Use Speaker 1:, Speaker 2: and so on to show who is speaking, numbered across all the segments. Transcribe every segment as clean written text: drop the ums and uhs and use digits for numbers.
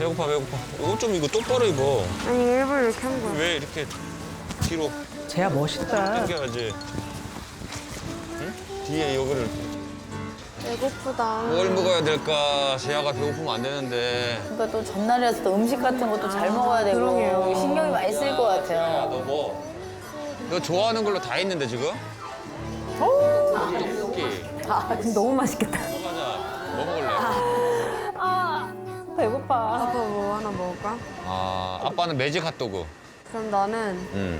Speaker 1: 배고파. 옷 좀 이거 똑바로 입어.
Speaker 2: 아니 일부러 이렇게 한 거야.
Speaker 1: 왜 이렇게 뒤로
Speaker 3: 쟤야 멋있다.
Speaker 1: 당겨야지. 응? 뒤에 여기를
Speaker 2: 배고프다.
Speaker 1: 뭘 먹어야 될까? 재아가 배고프면 안 되는데.
Speaker 4: 그러니까 또 전날이라서 또 음식 같은 것도 잘 먹어야 되고
Speaker 2: 그러게요.
Speaker 4: 신경이 많이 쓸 것
Speaker 1: 야,
Speaker 4: 같아요.
Speaker 1: 너 뭐? 너 좋아하는 걸로 다 있는데 지금? 떡볶이.
Speaker 3: 너무 맛있겠다.
Speaker 1: 가자. 뭐 먹을래?
Speaker 3: 배고파.
Speaker 2: 아빠 뭐 하나 먹을까?
Speaker 1: 아, 아빠는 매직 핫도그.
Speaker 2: 그럼 나는
Speaker 1: 응.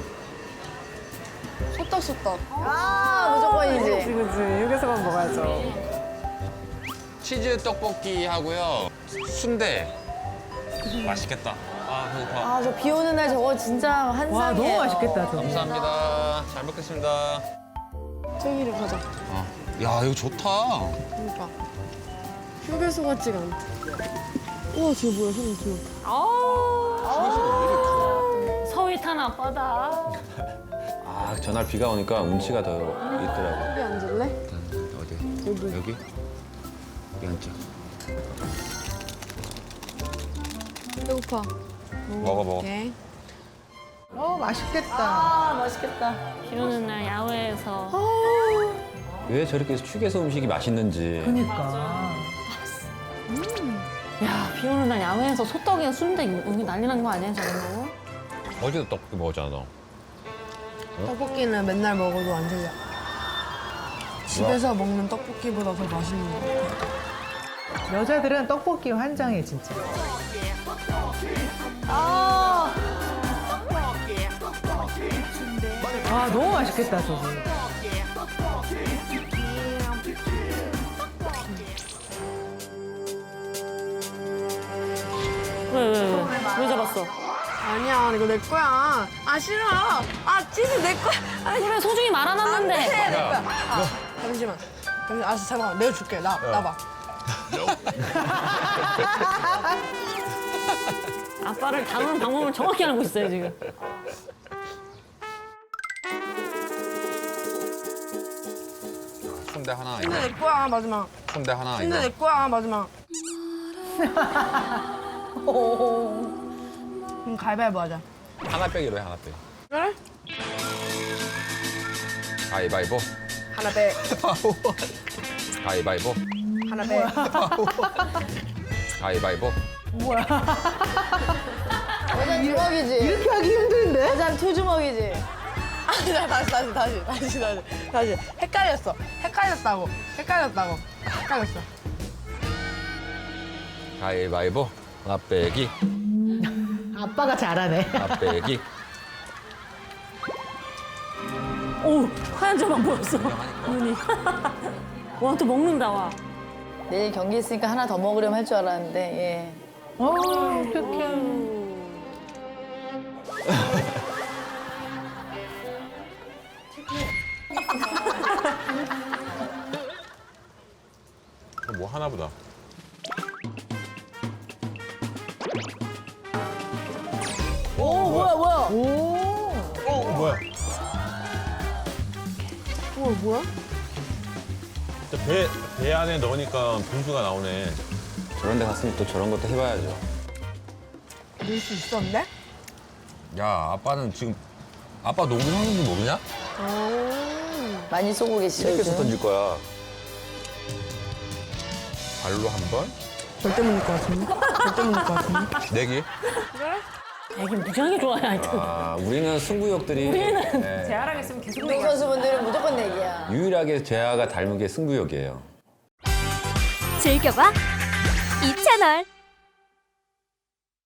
Speaker 2: 소떡소떡.
Speaker 4: 아 무조건이지.
Speaker 3: 그치. 여기서만 먹어야죠.
Speaker 1: 치즈 떡볶이 하고요. 순대. 맛있겠다. 아, 배고파.
Speaker 4: 아 저 비 오는 날 저거 진짜 한상이에요.
Speaker 3: 와, 너무 맛있겠다, 저거.
Speaker 1: 감사합니다. 잘 먹겠습니다.
Speaker 2: 저기를 가자.
Speaker 1: 야, 이거 좋다.
Speaker 2: 그러니까 휴게소 같지가 않다. 우와 저거 뭐야 사진 저.
Speaker 5: 서윗한 아빠다.
Speaker 1: 아, 전날 비가 오니까 운치가 더 있더라고.
Speaker 2: 여기 앉을래?
Speaker 1: 어디? 여기? 여기 앉자.
Speaker 2: 배고파.
Speaker 1: 먹어.
Speaker 2: 오케이.
Speaker 3: 맛있겠다.
Speaker 4: 아 맛있겠다.
Speaker 5: 비 오는 날 야외에서
Speaker 1: 왜 저렇게 휴게소 음식이 맛있는지.
Speaker 3: 그니까.
Speaker 5: 야, 비 오는 날 야외에서 소떡이랑 순대 여기 난리 난 거 아니야, 저런 거?
Speaker 1: 어제도 떡볶이 먹었잖아, 너.
Speaker 2: 떡볶이는 맨날 먹어도 안 질려. 집에서 먹는 떡볶이보다 더 맛있는 것 같아.
Speaker 3: 여자들은 떡볶이 환장해, 진짜. 아, 너무 맛있겠다, 저거.
Speaker 5: 왜 잡았어?
Speaker 2: 아니야 이거 내 거야. 아 싫어. 아 치즈 내 거야. 아니
Speaker 5: 그래, 소중히
Speaker 2: 안 돼,
Speaker 5: 말아놨는데.
Speaker 2: 내 거야. 잠시만. 알았어 잠깐만 내가 줄게. 나봐.
Speaker 5: 아빠를 다루는 방법을 정확히 알고 있어요, 지금.
Speaker 1: 순대 하나,
Speaker 2: 근데 내 거야 마지막.
Speaker 1: 순대 하나,
Speaker 2: 근데 내 거야 마지막. 그럼 가위바위보 하자.
Speaker 1: 하나 빼기로 해, 하나 빼기.
Speaker 2: 그래?
Speaker 1: 가위바위보.
Speaker 2: 하나 빼.
Speaker 1: 가위바위보.
Speaker 2: 하나 빼.
Speaker 1: 가위바위보.
Speaker 4: 여잔 주먹이지.
Speaker 3: 이렇게 하기 힘든데?
Speaker 4: 여잔 투주먹이지.
Speaker 2: 아니 다시. 헷갈렸어. 헷갈렸어.
Speaker 1: 가위바위보. 하나 빼기.
Speaker 3: 아빠가 잘하네.
Speaker 1: 하나 빼기.
Speaker 5: 오, 하얀 점만 보였어. 눈이. 와, 또 먹는다, 와.
Speaker 4: 내일 경기 있으니까 하나 더 먹으려면 할 줄 알았는데 예.
Speaker 3: 어떡해.
Speaker 1: 뭐 하나 보다.
Speaker 4: 오 뭐야.
Speaker 1: 뭐야?
Speaker 2: 뭐야?
Speaker 6: 배 안에 넣으니까 분수가 나오네.
Speaker 1: 저런 데 갔으면 또 저런 것도 해봐야죠.
Speaker 2: 넣을 수 있었는데?
Speaker 1: 야, 아빠는 지금 아빠 농구 하는 거 모르냐?
Speaker 4: 많이 쏘고 계시죠
Speaker 1: 이렇게 해서
Speaker 4: 요즘.
Speaker 1: 던질 거야. 발로 한 번,
Speaker 2: 절대 못 넣을 것 같은데?
Speaker 1: 내기.
Speaker 5: 애기 무지하게 좋아해, 하여튼.
Speaker 1: 아, 우리는 승부욕들이 네,
Speaker 3: 재활하겠으면 계속
Speaker 4: 운동 선수분들은 무조건 내기야.
Speaker 1: 유일하게 재아가 닮은 게 승부욕이에요.
Speaker 7: 즐겨봐 이 채널.